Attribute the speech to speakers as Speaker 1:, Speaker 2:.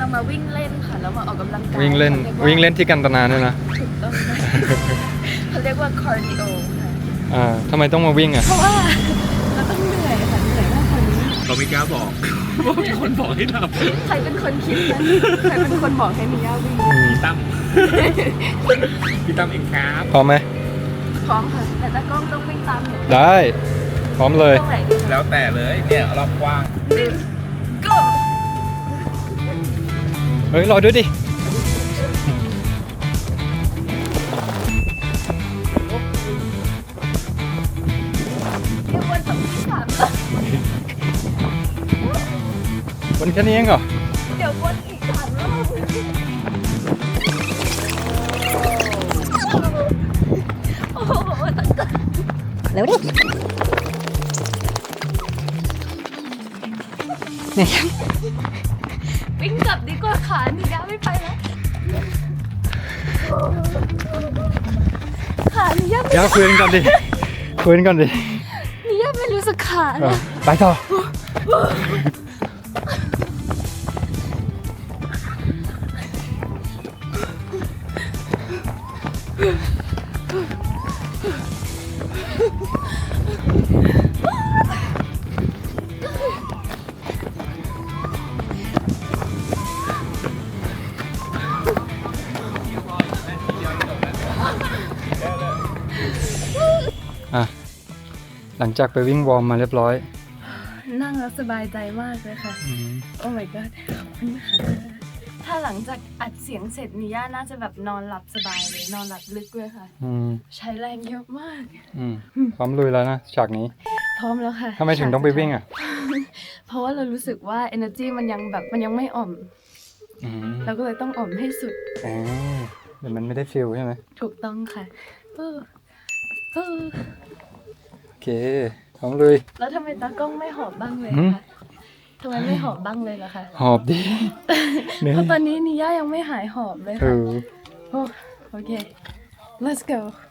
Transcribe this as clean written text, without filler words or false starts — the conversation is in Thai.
Speaker 1: มาวิ่งเล่นค่ะแล้วมาออกกำลังกาย
Speaker 2: วิ่งเล่นที่กันตนาเนี่ยนะ
Speaker 1: ถูกต้องเขาเรียกว่าคาร์ดิโอค่ะ
Speaker 2: ทำไมต้องมาวิ่งอ่ะ
Speaker 1: เพราะว่าเราต้องเหนื่อยค่ะเหนื่อยมากกว่านี้
Speaker 3: เราไม่กล้าบอกว่ามีคนบอกให้ทำ
Speaker 1: ใครเป็นคนคิดนะใครเป็นคนบอกให้มีย่าวิ่ง
Speaker 3: พี่ตั้มพี่ตั้มเองครับ
Speaker 2: พร้อมไหม
Speaker 1: พร้อมค่ะแต่ตากล้องต้องวิ่งตามหนู
Speaker 2: ได้พร้อมเลย
Speaker 1: ตรงไหนดี
Speaker 3: แล้วแต่เลยเนี่ยรอบกว้าง
Speaker 1: go
Speaker 2: เฮ้ยรอด้วยดิ
Speaker 1: เดี๋ยววนต้องที่สามแล้ว
Speaker 2: วันแค่นี้เองเหรอ
Speaker 1: เดี๋ยววนอีกสามรอบโอ้โหตากล้องเร็วดิวิ่งกลับดีกว่าขาหนูย่าไม่ไปแล้วขาหนูย่าไม่
Speaker 2: อย่าคุยกันก่อนดิคุยกันก่อนดิ
Speaker 1: หนูย่าไม่รู้สึกขาเลย
Speaker 2: ไปต่อหลังจากไปวิ่งวอร์มมาเรียบร้อย
Speaker 1: นั่งแล้วสบายใจมากเลยค่ะโอ้ my god ขอบคุณค่ะถ้าหลังจากอัดเสียงเสร็จนิย่าน่าจะแบบนอนหลับสบายเลยนอนหลับลึกเลยค่ะใช้แรงเยอะมาก
Speaker 2: พร้อมลุยแล้วนะฉากนี้
Speaker 1: พร้อมแล้วค่ะ
Speaker 2: ทำไมถึงต้องไปวิ่งอ่ะ
Speaker 1: เพราะว่าเรารู้สึกว่า energy มันยังไม่อ่อมเราก็เลยต้องอ่อมให้สุด
Speaker 2: เดี๋ยวมันไม่ได้ฟิลใช่ไหม
Speaker 1: ถูกต้องค่ะ
Speaker 2: โอเคพร้อมลุย
Speaker 1: แล้วทำไมตากล้องไม่หอบบ้างเลยคะทำไมไม่หอบบ้างเลยล่ะคะ
Speaker 2: หอบดิ
Speaker 1: เพราะตอนนี้นิย่ายังไม่หายหอบเลยค่ะโอเค let's go